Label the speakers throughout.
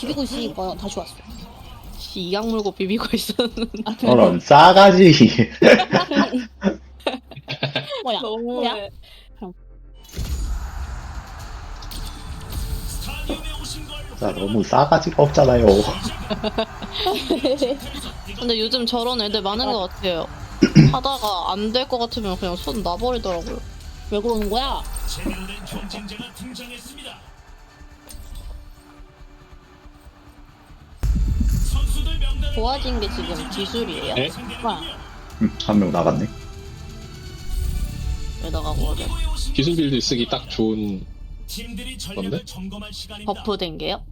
Speaker 1: 비비고 있으니까 다시 왔어.
Speaker 2: 이악 물고 비비고 있었는데.
Speaker 3: 저런 싸가지.
Speaker 1: 뭐야? 뭐야?
Speaker 2: 너무해.
Speaker 3: 나 너무 싸가지가 없잖아요.
Speaker 2: 근데 요즘 저런 애들 많은 것 같아요. 하다가 안 될 것 같으면 그냥 손 놔버리더라고요.
Speaker 1: 왜 그러는 거야?
Speaker 4: 제대로 된 경쟁자가 등장했습니다. 선수들 명단을
Speaker 2: 좋아진 게 지금 기술이에요.
Speaker 5: 네?
Speaker 1: 뭐야?
Speaker 3: 한 명 나갔네.
Speaker 2: 왜 나가고 어제
Speaker 5: 기술 빌드 쓰기 딱 좋은.
Speaker 4: 팀들이 전략을
Speaker 5: 뭔데?
Speaker 4: 점검할 시간입니다.
Speaker 2: 버프 된 게요?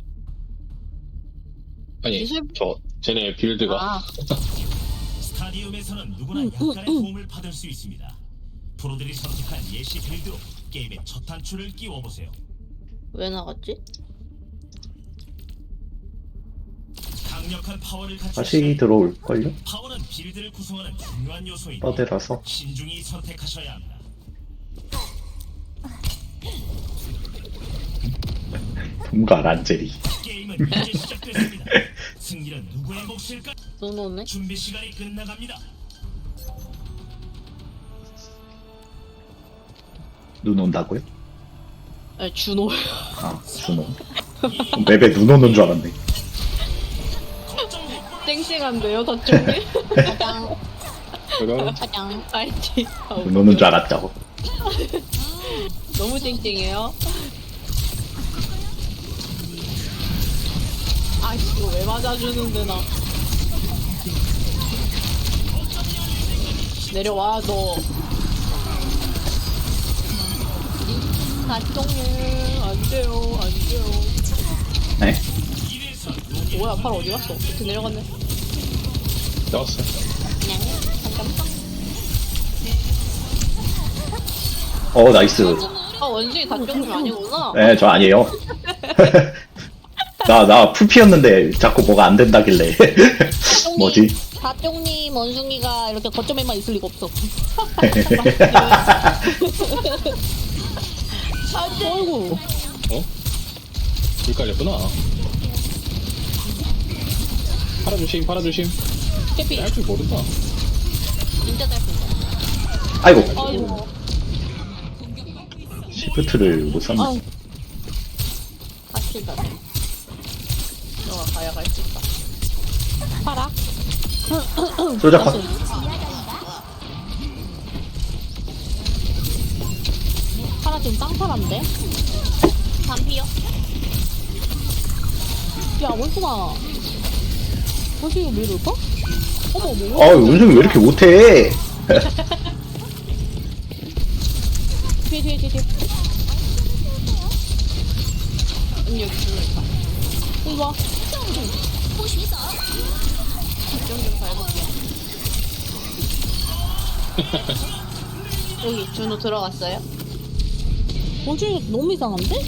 Speaker 5: 아니
Speaker 2: 기술-
Speaker 5: 저 쟤네 빌드가
Speaker 2: 아,
Speaker 4: 스타디움에서는 누구나 약간의 도움을 받을 수 있습니다. 프로들이 선택한 예시 빌드로 게임의 첫 단추를 끼워보세요.
Speaker 2: 왜 나갔지?
Speaker 4: 강력한 파워를 갖춘
Speaker 3: 다시 들어올걸요?
Speaker 4: 파워는 빌드를 구성하는 중요한 요소이니
Speaker 3: 떠들어서.
Speaker 4: 신중히 선택하셔야 합니다.
Speaker 3: 동가 란제리.
Speaker 4: 게임은 이제 시작됐습니다. 승리는 누구의 몫일까?
Speaker 2: 눈 오네?
Speaker 4: 준비 시간이 끝나갑니다.
Speaker 3: 눈 온다고요?
Speaker 2: 네, 준호.
Speaker 3: 아, 준호. 맵에 눈 오는 줄 알았네.
Speaker 2: 땡땡한데요, 저쪽이?
Speaker 1: 가장
Speaker 5: 그럼
Speaker 1: 가장.
Speaker 2: 알지.
Speaker 3: 눈 오는 줄 알았죠.
Speaker 2: 너무 땡땡해요. 아이씨, 이거 왜 맞아주는데, 나. 내려와, 너.
Speaker 1: 가종일.
Speaker 2: 안 돼요, 안 돼요.
Speaker 3: 네.
Speaker 2: 뭐야, 팔 어디 갔어? 밑에 내려갔네.
Speaker 5: 나왔어.
Speaker 1: 그냥 잠깐만.
Speaker 3: 나이스.
Speaker 2: 아, 원숭이 단종이 아니구나.
Speaker 3: 네, 저 아니에요. 나 풀피였는데 자꾸 뭐가 안 된다길래. 뭐지?
Speaker 1: 가종님 원숭이가 이렇게 거점에만 있을 리가 없어.
Speaker 2: 아이고.
Speaker 5: 줄 깔렸구나. 팔아주심 팔아주심.
Speaker 1: 깨비.
Speaker 5: 할 줄 모른다.
Speaker 1: 진짜 짧은데.
Speaker 3: 아이고,
Speaker 1: 아이고.
Speaker 3: 시프트를 못 샀네.
Speaker 1: 아우. 아쉽다.
Speaker 2: 너가 가야 갈 수 있다.
Speaker 1: 파라.
Speaker 3: 소자 컷.
Speaker 1: 파라 지금 쌍파란데? 반피요? 야 원숭아. 원숭이 왜 이럴까? 어머 어머.
Speaker 3: 원숭이 왜 이렇게 못해?
Speaker 1: 뒤에.
Speaker 2: 여기 들어있다.
Speaker 1: 이리 와.
Speaker 2: 좀 밟을게요. 여기 준호 들어갔어요?
Speaker 1: 원숭이 너무 이상한데?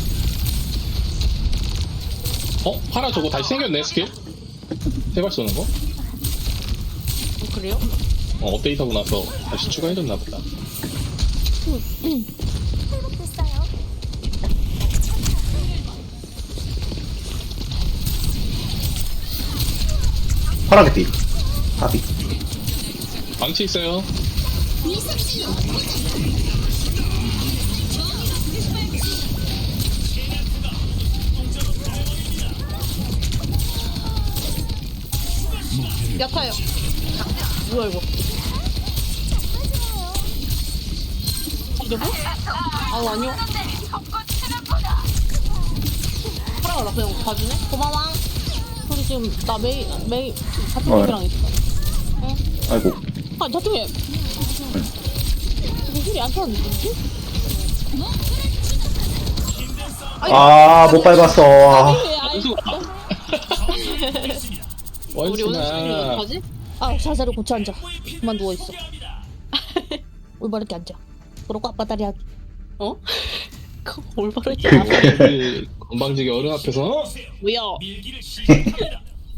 Speaker 5: 파라 저거 다시 생겼네 스킬. 세발 쏘는 거?
Speaker 2: 그래요?
Speaker 5: 업데이트하고 나서 다시 추가해줬나 보다.
Speaker 3: 파라게티. 파비.
Speaker 5: 망치 있어요.
Speaker 2: 약하요. 뭐야 이거?
Speaker 1: 이러고?
Speaker 2: 아우 아니요. 파라가 나 그냥 봐주네?
Speaker 1: 고마워. 우리 지금 나 매일 사투리랑 있어.
Speaker 3: 아이고.
Speaker 1: 아 사투리. 소리 안 타는 느낌이지?
Speaker 3: 못 밟았어.
Speaker 2: 우리 오늘 수준이
Speaker 5: 원숭아.
Speaker 2: 어떡하지?
Speaker 1: 아 자세를 고쳐 앉아. 그만 누워 있어. 올바르게 앉아. 그러고 아빠 다리 하기.
Speaker 2: 어? 올바르게
Speaker 5: 그 건방지게 어른 앞에서
Speaker 2: 뭐야?
Speaker 4: 밀기를 시작합니다.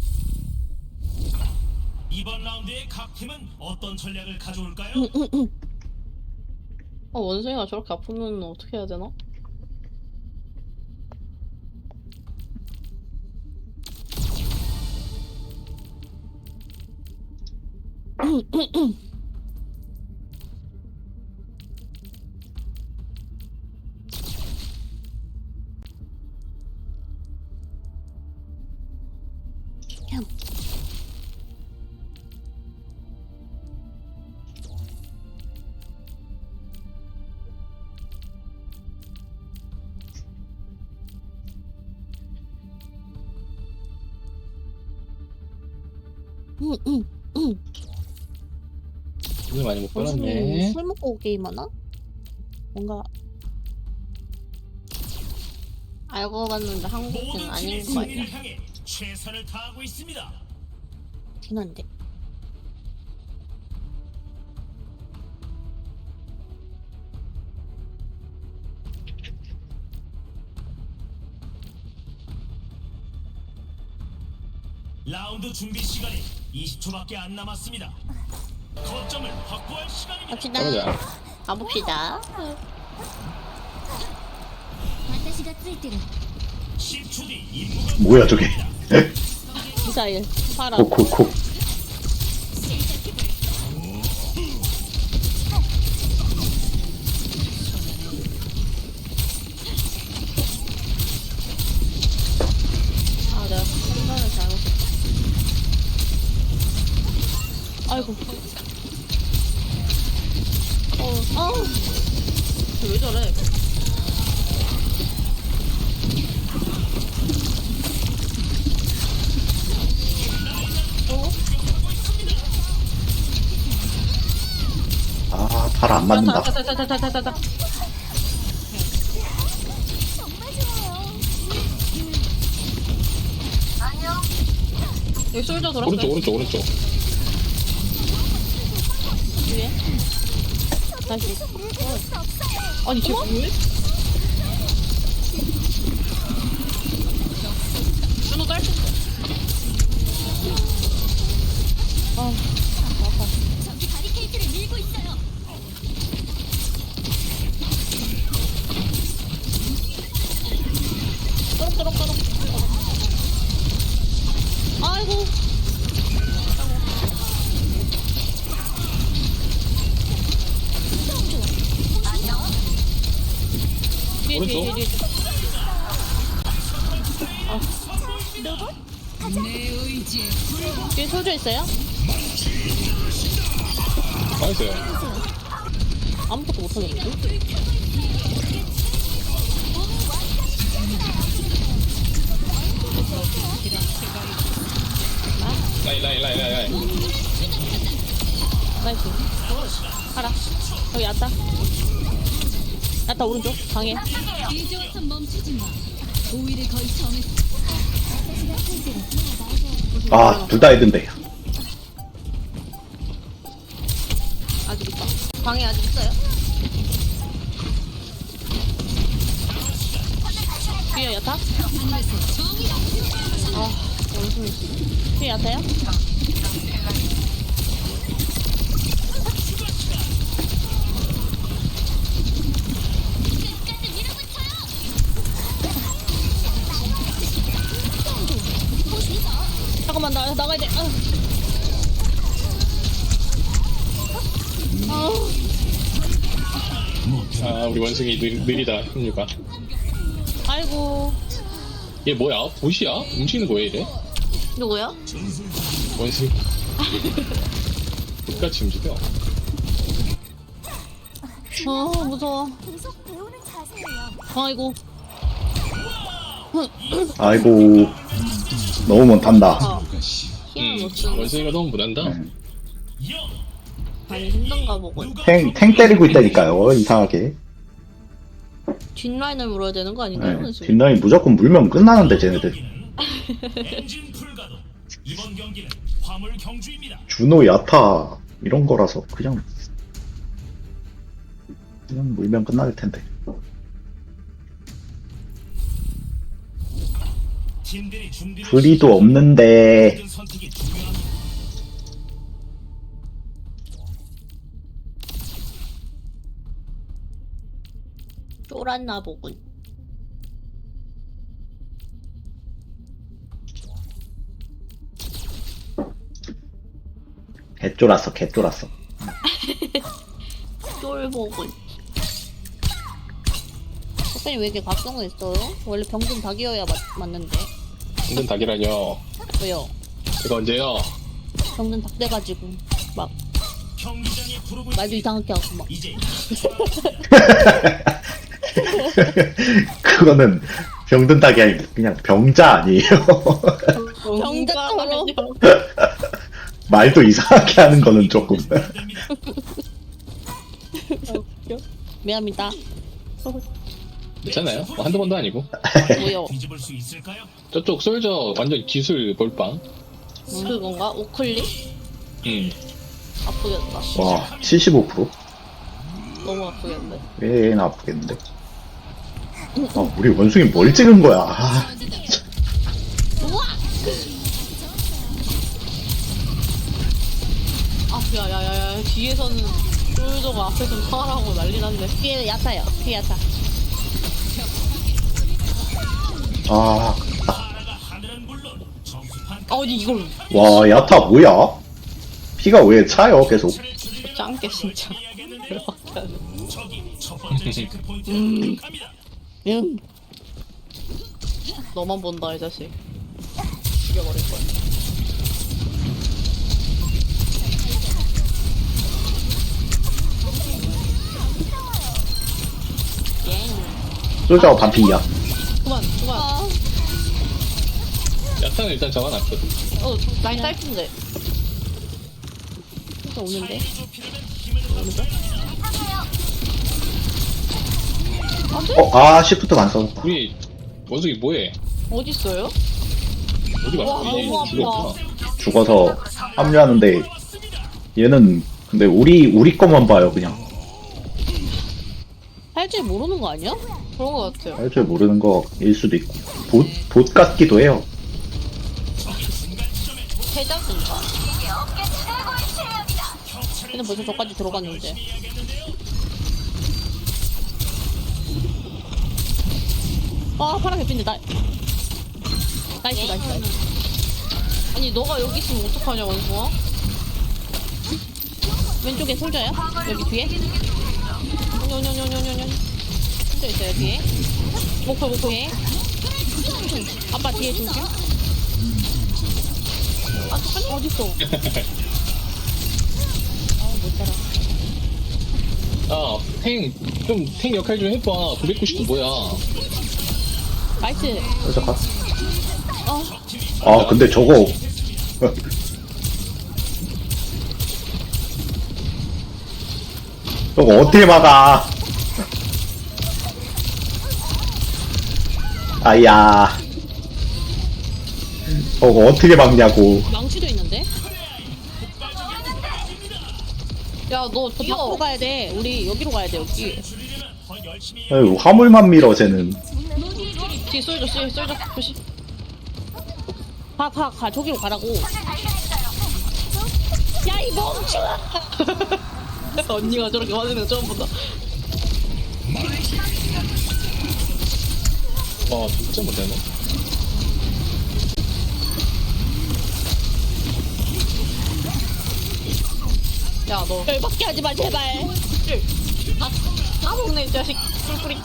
Speaker 4: 이번 라운드의 각 팀은 어떤 전략을 가져올까요?
Speaker 2: 원숭이가 저렇게 아프면 어떻게 해야 되나?
Speaker 5: 오늘 많이 못
Speaker 1: 원숭이
Speaker 5: 받았네.
Speaker 1: 술 먹고 게임하나? 뭔가
Speaker 2: 알고 봤는데 한국인
Speaker 4: 모든
Speaker 2: 아닌
Speaker 4: 팀이
Speaker 2: 거 아니야?
Speaker 4: 승리를 향해 최선을 다하고 있습니다.
Speaker 1: 진한데.
Speaker 4: 라운드 준비 시간이 20초밖에 안 남았습니다. 거점을 확보할 시간입니다.
Speaker 2: 갑시다.
Speaker 5: 가보자.
Speaker 2: 가봅시다.
Speaker 6: 私がついてる
Speaker 4: 10초 뒤 임무가
Speaker 3: 뭐야 저게?
Speaker 2: 미사일. 파라.
Speaker 3: 콕콕콕.
Speaker 2: 아, 내가 판단을 잘못했다. 아이고. 아우. 왜 저래?
Speaker 3: 아, 팔 안 맞는다.
Speaker 2: 타타타타타타타타. 여기 솔저 돌았어요.
Speaker 5: 오른쪽.
Speaker 2: 위에. 다시. 아니, 쟤 뭐해? 준호 딸. 아,
Speaker 6: 저기 바리케이트를 밀고 있어요.
Speaker 2: 또록또록또록. 아이고. 뒤에,
Speaker 5: 오른쪽.
Speaker 2: 뒤에. 뒤에 소주 있어요?
Speaker 5: 나이스.
Speaker 2: 아무것도 못하겠는데?
Speaker 5: 라인.
Speaker 2: 나이스. 가라. 여기 왔다. 왔다, 오른쪽. 방해.
Speaker 6: 이제 와서 멈추지 마. 오일을 거의 정했어.私がついてる
Speaker 3: 아, 둘 다 헤든데.
Speaker 2: 아직 있다. 방해 아직 있어요? 뒤에 야타? 아, 원숭이 씨. 뒤에 야타요? 잠깐만, 나가야 돼.
Speaker 5: 아, 우리 원숭이 느리다. 힘류가.
Speaker 2: 아이고.
Speaker 5: 얘 뭐야? 보시야? 움직이는 거야 이래?
Speaker 2: 누구야?
Speaker 5: 원숭이. 똑같이 움직여.
Speaker 2: 무서워.
Speaker 6: 계속 배우는 자세예요.
Speaker 2: 아이고.
Speaker 3: 아이고. 너무 못한다.
Speaker 2: 힘을 못 쓰는.
Speaker 5: 원숭이가 너무 못한다.
Speaker 2: 많이 힘든가 보고.
Speaker 3: 탱 때리고 있다니까요, 이상하게.
Speaker 2: 뒷라인을 물어야 되는 거 아닌가요?
Speaker 3: 네.
Speaker 2: 원숭이?
Speaker 3: 뒷라인 무조건 물면 끝나는데, 쟤네들.
Speaker 4: 엔진 불가동. 이번 경기는 화물 경주입니다.
Speaker 3: 준호, 야타, 이런 거라서 그냥 물면 끝날 텐데.
Speaker 4: 팀들이 준비를
Speaker 3: 불이도
Speaker 4: 시작하면
Speaker 3: 없는데.
Speaker 4: 모든 선택이 중요합니다.
Speaker 2: 쫄았나 보군.
Speaker 3: 개쫄았어, 개쫄았어.
Speaker 2: 쫄보고.
Speaker 1: 선생님 왜 이렇게 각성했어요? 원래 병든 닭이어야 맞는데.
Speaker 5: 힘든 닭이라뇨.
Speaker 1: 왜요?
Speaker 5: 이거 언제요?
Speaker 1: 병든 닭 돼가지고 막
Speaker 4: 경기장에 부르고
Speaker 1: 말도 이상하게 하고 막.
Speaker 4: 이제
Speaker 3: 그거는 병든 닭이 아니고 그냥 병자 아니에요?
Speaker 1: 병자처럼.
Speaker 3: 말도 이상하게 하는 거는 조금.
Speaker 4: 됩니다.
Speaker 1: 미안합니다.
Speaker 5: 괜찮아요. 뭐 한두 번도 아니고.
Speaker 1: 뭐요?
Speaker 4: 뒤집을 수 있을까요?
Speaker 5: 저쪽 솔저 완전 기술 볼빵.
Speaker 2: 그건가? 우클릭? 아프겠다.
Speaker 3: 와, 75%?
Speaker 2: 너무 아프겠네.
Speaker 3: 왜 아프겠는데? 아, 우리 원숭이 뭘 찍은 거야? 아,
Speaker 2: 아, 야야야야. 뒤에서는 쫄저가 앞에서 파라고 난리 났네.
Speaker 1: 뒤에 야타요. 뒤에 야타.
Speaker 3: 아,
Speaker 4: 하나가 하늘은 물론 정수판
Speaker 2: 아니 이걸
Speaker 3: 와, 야타 뭐야? 피가 왜 차요, 계속?
Speaker 2: 짱게 진짜.
Speaker 4: 저기 첫 번째 체크 포인트를 극합니다.
Speaker 1: 응.
Speaker 2: 너만 본다 이 자식. 죽여버릴 거야.
Speaker 3: 솔저가 반피야.
Speaker 2: 그만.
Speaker 5: 야타는 일단 잡아놨거든.
Speaker 2: 라인 짧은데.
Speaker 1: 진짜 오는데?
Speaker 3: 아, 시프트가 안 써졌다.
Speaker 5: 우리 원숭이 뭐해?
Speaker 2: 어디 있어요?
Speaker 5: 어디 갔어?
Speaker 2: 와, 너무 아파.
Speaker 5: 죽었구나.
Speaker 3: 죽어서 합류하는데, 얘는, 근데 우리 것만 봐요, 그냥.
Speaker 1: 할 줄 모르는 거 아니야?
Speaker 2: 그런 거 같아요.
Speaker 3: 할 줄 모르는 거일 수도 있고. 봇 같기도 해요.
Speaker 2: 해자인가?
Speaker 1: 얘는 벌써 저까지 들어갔는데. 아, 파란 개핀데 나이스.
Speaker 2: 아니 너가 여기 있으면 어떡하냐 원숭아?
Speaker 1: 왼쪽에 솔져요? 여기 뒤에?
Speaker 2: 뇨뇨뇨뇨뇨뇨.
Speaker 1: 솔져 있어요, 뒤에.
Speaker 2: 목표
Speaker 1: 뒤에. 아빠 뒤에 조심.
Speaker 2: 아 잠깐만.
Speaker 1: 어딨어? 아, 못 따라.
Speaker 5: 아, 탱 역할 좀 해봐. 999 뭐야?
Speaker 1: 나이스.
Speaker 3: 솔저 가. 아, 근데 저거. 저거 어떻게 막아? 아야. 저거 어떻게 막냐고.
Speaker 1: 망치도 있는데?
Speaker 2: 야너
Speaker 1: 저 밖으로
Speaker 2: 뛰어.
Speaker 1: 가야 돼. 우리 여기로 가야 돼, 여기.
Speaker 4: 줄이려면 더 열심히
Speaker 3: 아유, 화물만 밀어, 쟤는.
Speaker 2: 뒤 쏠져 조심.
Speaker 1: 가. 저기로 가라고. 야, 이 멍청아!
Speaker 2: 언니가 저렇게 맞는 거 처음 본다.
Speaker 5: 와, 진짜 못하네.
Speaker 2: 야너
Speaker 1: 열받게 하지 마, 제발.
Speaker 2: 다 먹네 이 자식. 꿀꿀이.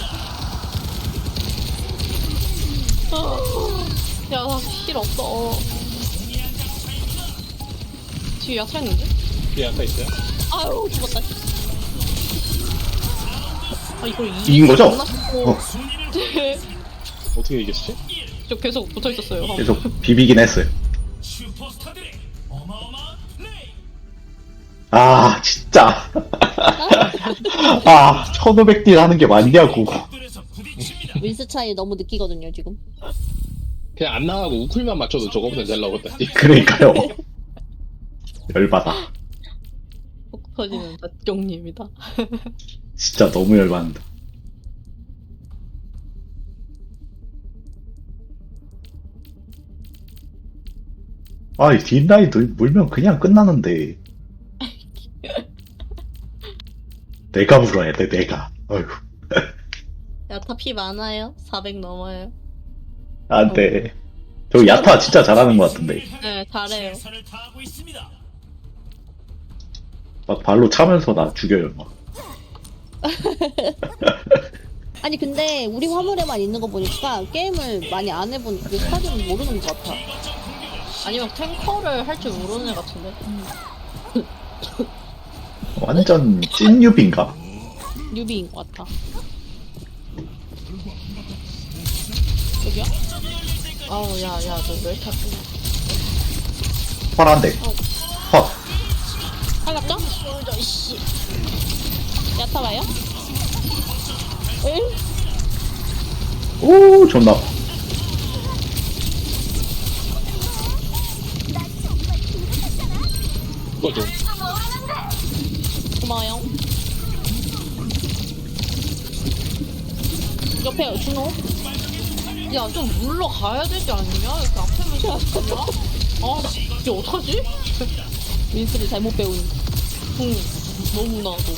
Speaker 2: 야힐 없어. 뒤에 야채였는데?
Speaker 5: 뒤에 야타 있어요?
Speaker 1: 아유, 죽었다.
Speaker 2: 아 이걸
Speaker 3: 이긴 거죠?
Speaker 2: 어.
Speaker 5: 어떻게 이겼지?
Speaker 2: 저 계속 붙어 있었어요.
Speaker 3: 계속 비비긴 했어요.
Speaker 4: 슈퍼스타들의 어마어마한 플레이.
Speaker 3: 아, 진짜. 아, 1500딜 하는 게 맞냐고.
Speaker 4: 벽돌에서 부딪힙니다.
Speaker 1: 윈스 차이 너무 느끼거든요, 지금.
Speaker 5: 그냥 안 나가고 우쿨만 맞춰도 저거보다 잘 나오겠다.
Speaker 3: 그러니까요. 열받아.
Speaker 2: 폭 터지는 닷경님이다.
Speaker 3: 진짜 너무 열받는다. 아, 이 뒷라인 물면 그냥 끝나는데. 내가 물어야 돼, 내가. 어휴.
Speaker 2: 야타 피 많아요? 400 넘어요.
Speaker 3: 안 돼. 저 야타 진짜 잘하는 것 같은데.
Speaker 2: 네 잘해요.
Speaker 4: 최선을 다하고 있습니다.
Speaker 3: 막 발로 차면서 나 죽여요. 막.
Speaker 1: 아니 근데 우리 화물에만 있는 거 보니까 게임을 많이 안 해본 그 스타일은 모르는 것 같아.
Speaker 2: 아니면 탱커를 할 줄 모르는 애 같은데.
Speaker 3: 완전 찐 뉴비인가?
Speaker 1: 뉴비인 것 같아. 여기요?
Speaker 2: 아우 야야 너 왜 이렇게 아프냐.
Speaker 3: 파란데. 헛.
Speaker 1: 살갑죠? 이씨. 야타 봐요? 응?
Speaker 3: 오, 존나.
Speaker 5: 이거 좀.
Speaker 1: 고마워요. 옆에 준호?
Speaker 2: 야 좀 물러가야 되지 않냐? 이렇게 앞에만 있었냐? 아 이제 어떡하지?
Speaker 1: 민스를 잘못 배운.
Speaker 2: 응 너무나도.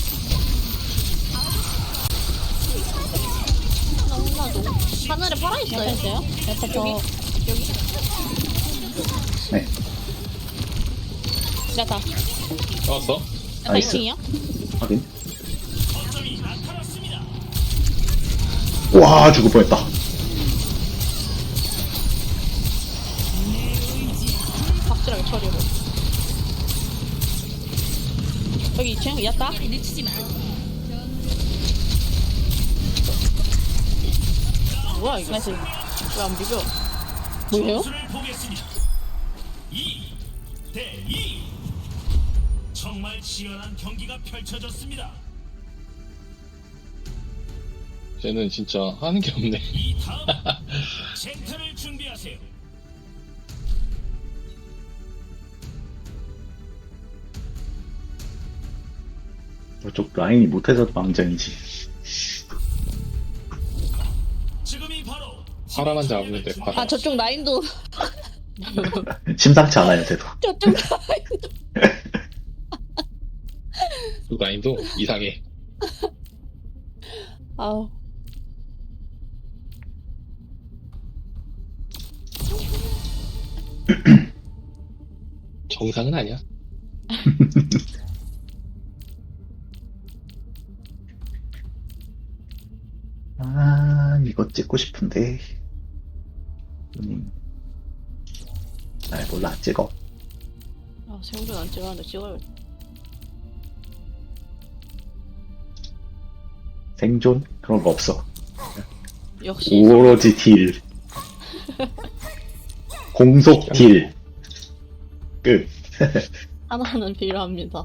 Speaker 2: 너무나도. 하늘에 팔아
Speaker 1: 야타
Speaker 2: 있어요.
Speaker 1: 있어요? 야타 저
Speaker 3: 네.
Speaker 1: 야타.
Speaker 5: 나왔어?
Speaker 1: 야타
Speaker 3: 나이스.
Speaker 1: 2층이야?
Speaker 3: 확인. 와, 죽을 뻔했다.
Speaker 2: 확실하게 처리해.
Speaker 1: 여기 2층 야타?
Speaker 6: 놓치지 마.
Speaker 2: 뭐야 이거?
Speaker 1: 나이스.
Speaker 2: 왜 안 비벼?
Speaker 1: 뭐예요?
Speaker 4: 점수를 보겠습니다. 2대2. 정말 치열한 경기가 펼쳐졌습니다.
Speaker 5: 쟤는 진짜 하는 게 없네.
Speaker 4: 이 다음 젠틀을 준비하세요.
Speaker 3: 저쪽 라인이 못해서 망정이지.
Speaker 4: 지금이 바로
Speaker 5: 파라만 잡으면 돼, 파라.
Speaker 1: 아 저쪽 라인도
Speaker 3: 심상치 않아요, 쟤도.
Speaker 1: 저쪽 라인도
Speaker 5: 그 라인도 이상해.
Speaker 1: 아우
Speaker 5: 정상은 아니야.
Speaker 3: 아, 이거 찍고 싶은데. 아, 몰라, 안 찍어.
Speaker 2: 아 생존 안 찍었는데 찍어야겠다.
Speaker 3: 생존? 그런 거 없어.
Speaker 2: 역시
Speaker 3: 오로지 딜. 공속 딜. 끝.
Speaker 2: 하나는 필요합니다.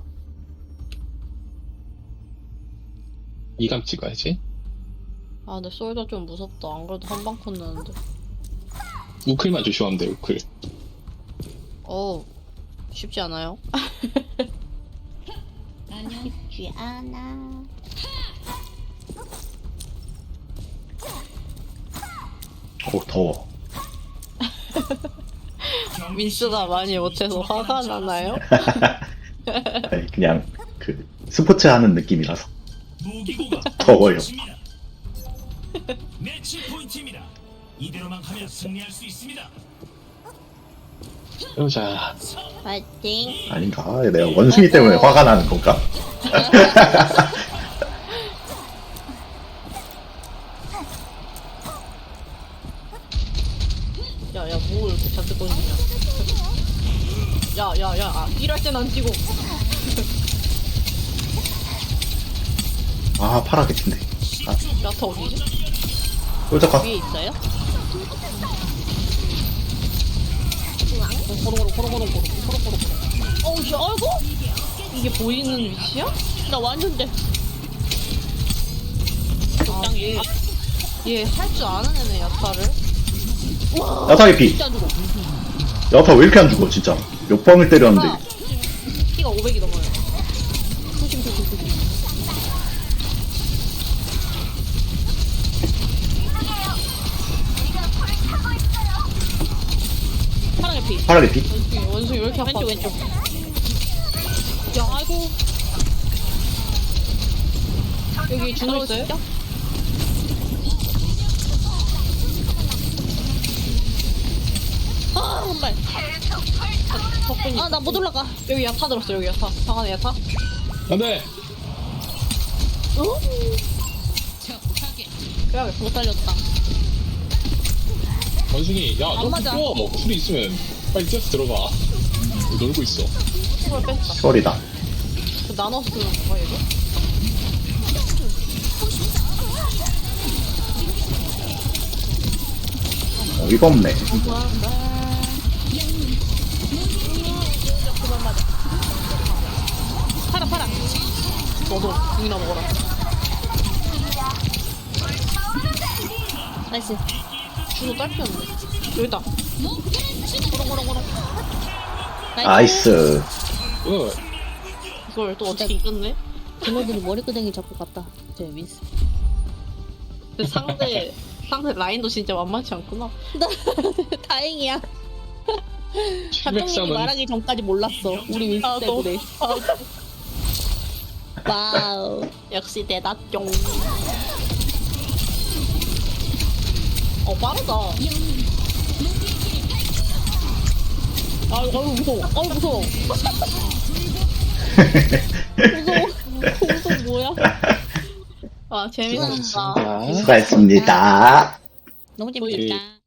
Speaker 5: 이감 찍어야지.
Speaker 2: 아 근데 솔더 좀 무섭다. 안 그래도 한방 컸는데.
Speaker 5: 우클만 조심하면 돼, 우클.
Speaker 2: 어우 쉽지 않아요?
Speaker 6: 안녕.
Speaker 1: 쉽지 않아.
Speaker 3: 오, 더워.
Speaker 2: 민스가 많이 못해서 화가 나나요?
Speaker 3: 아니, 그냥, 스포츠 하는 느낌이라서.
Speaker 4: 무기고가
Speaker 3: 더워요.
Speaker 4: 펼쳐집니다. 매치 포인트입니다. 이대로만 가면 승리할 수 있습니다.
Speaker 5: 해보자.
Speaker 2: 파이팅.
Speaker 3: 아닌가? 내가 원숭이 때문에 화가 나는 건가?
Speaker 2: 야야 뭐 이렇게 잡고 던지냐. 야야야 아, 일할 땐 안 뛰고.
Speaker 3: 아, 파라게친데.
Speaker 2: 야타 어디지?
Speaker 3: 꼴짝가.
Speaker 2: 위에 있어요? 고롱고롱. 어우 씨 아이고 이게 보이는 위치야?
Speaker 1: 나 완전데.
Speaker 2: 얘 할 줄 아는 애네 야타를.
Speaker 3: 야타게 피.
Speaker 1: 진짜 안 죽어.
Speaker 3: 야타 왜 이렇게 안 죽어, 진짜. 몇 방을 때렸는데.
Speaker 2: 키가 500이 넘어요.
Speaker 1: 조심. 파랑의 피.
Speaker 3: 파라게 피.
Speaker 2: 원숭이 왜 이렇게 아파?
Speaker 1: 왼쪽. 야 아이고.
Speaker 2: 여기 준호 있어요?
Speaker 1: 아 정말.
Speaker 2: 석분이.
Speaker 1: 아 나 못 올라가.
Speaker 2: 여기 야타 들었어, 여기 야타. 방 안에 야타.
Speaker 5: 안돼.
Speaker 2: 빼야겠어.
Speaker 1: 못 살렸다.
Speaker 5: 원숭이 야
Speaker 1: 안
Speaker 5: 너
Speaker 1: 맞아.
Speaker 5: 뛰어. 풀이 있으면 빨리 뛰어서 들어가. 놀고 있어.
Speaker 2: 이걸 뺐다.
Speaker 3: 소리다.
Speaker 2: 그 나눠서 쓰는 거야, 이거?
Speaker 3: 어이가 없네.
Speaker 1: 팔아 팔아.
Speaker 2: 너도 국이나 먹어라.
Speaker 1: 나이스.
Speaker 2: 주도 딸피였네. 여기다.
Speaker 1: 고롱고롱고롱.
Speaker 3: 나이스.
Speaker 2: 이걸 또 어떻게 이겼네?
Speaker 1: 걔네들이 머리끄댕이 잡고 갔다. 제 미스.
Speaker 2: 근데 상대 라인도 진짜 만만치 않구나.
Speaker 1: 다행이야. 작정님이
Speaker 5: 703은
Speaker 1: 말하기 전까지 몰랐어. 우리 윈스
Speaker 2: 아, 너.
Speaker 1: 때문에. 와우.
Speaker 2: 역시 대답종. 빠르다.
Speaker 1: 아유 무서워. 아유 무서워. 무서워 뭐야?
Speaker 2: 아, 재밌었다.
Speaker 5: 수고하셨습니다.
Speaker 3: 수고했습니다.
Speaker 1: 너무 재밌다.